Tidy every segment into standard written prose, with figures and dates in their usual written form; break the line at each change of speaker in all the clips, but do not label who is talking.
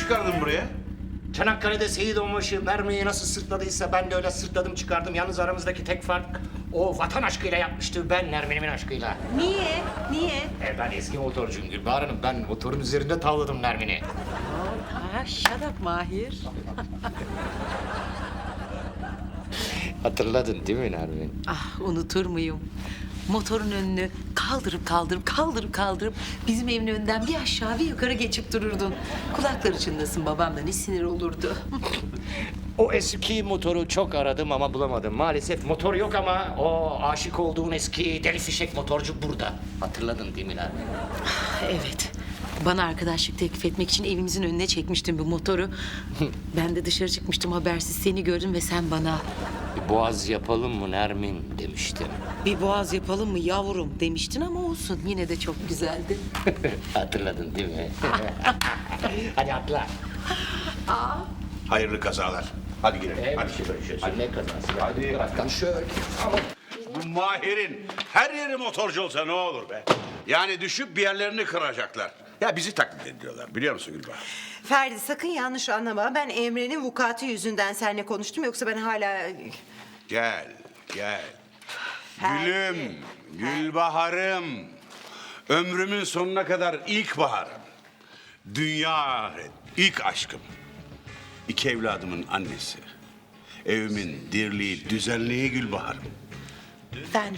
çıkardın buraya?
Çanakkale'de Seyit Onbaşı mermiyi nasıl sırtladıysa ben de öyle sırtladım çıkardım. Yalnız aramızdaki tek fark o vatan aşkıyla yapmıştı, ben Nermin'imin aşkıyla.
Niye? Niye?
Ben eski motorcuyum Gülbahar Hanım. Ben motorun üzerinde tavladım Nermin'i.
Ha, shut up Mahir.
Hatırladın değil mi Nermin?
Ah, unutur muyum? Motorun önünü kaldırıp bizim evin önünden bir aşağı bir yukarı geçip dururdun. Kulakları çınlasın, babam da ne sinir olurdu.
O eski motoru çok aradım ama bulamadım. Maalesef motor yok ama o aşık olduğun eski deli fişek motorcu burada. Hatırladın değil mi Nermin?
Evet. Bana arkadaşlık teklif etmek için evimizin önüne çekmiştin bu motoru. Ben de dışarı çıkmıştım, habersiz seni gördüm ve sen bana
Bir boğaz yapalım mı Nermin demiştin.
bir boğaz yapalım mı yavrum demiştin ama olsun, yine de çok güzeldi.
Hatırladın değil mi? Hadi atla.
Hayırlı kazalar. Hadi girelim. Hadi.
Hadi ne kazası?
Hadi.
Bırak şöyle.
Bu Mahir'in her yeri motorcu olsa ne olur be? Yani düşüp bir yerlerini kıracaklar. Ya bizi taklit ediyorlar biliyor musun Gülbahar?
Ferdi sakın yanlış anlama. Ben Emre'nin vukuatı yüzünden seninle konuştum. Yoksa ben hala...
Gel, gel.
Ferdi.
Gülüm, Gülbahar'ım. Ömrümün sonuna kadar ilk baharım. Dünya ahiret, ilk aşkım. İki evladımın annesi. Evimin dirliği, düzenliği Gülbahar'ım.
Ben de.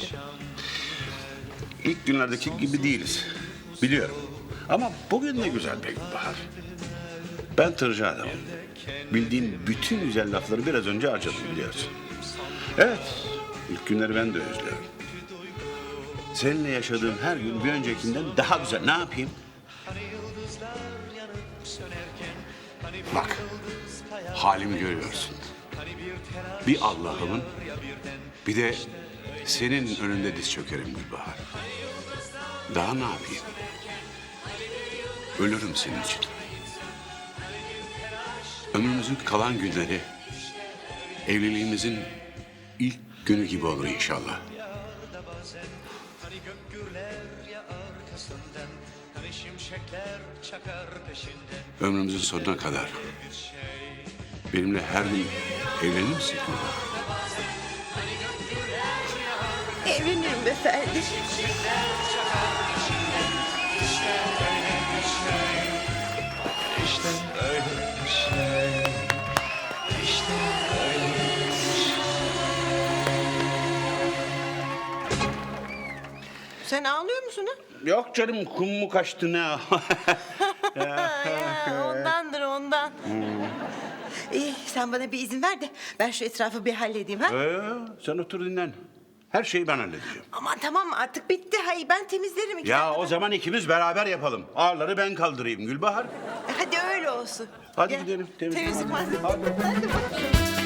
İlk günlerdeki gibi değiliz. Biliyorum. Ama bugün de güzel be Gülbahar. Ben tırcı adamım. Bildiğin bütün güzel lafları biraz önce harcadım biliyorsun. Evet, ilk günleri ben de özlüyorum. Seninle yaşadığım her gün bir öncekinden daha güzel. Ne yapayım? Bak, halimi görüyorsun. Bir Allah'ımın, bir de senin önünde diz çökerim Gülbahar. Daha ne yapayım? Ölürüm senin için. Ömrümüzün kalan günleri evliliğimizin ilk günü gibi olur inşallah. Ömrümüzün sonuna kadar benimle her gün evlenir misin?
Evlenirim be Ferdi.
İşte öyle bir şey. İşte öyle bir şey.
Sen ağlıyor musun ha?
Yok canım kum mu kaçtı ne?
Ya, ondandır ondan. İyi sen bana bir izin ver de ben şu etrafı bir halledeyim ha.
Sen otur dinlen. Her şeyi ben halledeceğim.
Aman tamam artık bitti. Hayır ben temizlerim. iki
Ya
dakikada.
o zaman ikimiz beraber yapalım. Ağırları ben kaldırayım Gülbahar.
Hadi öyle olsun.
Hadi
Gel.
gidelim, temizleyelim.
Temizlik
Hadi.
malzemesi. Hadi bakalım.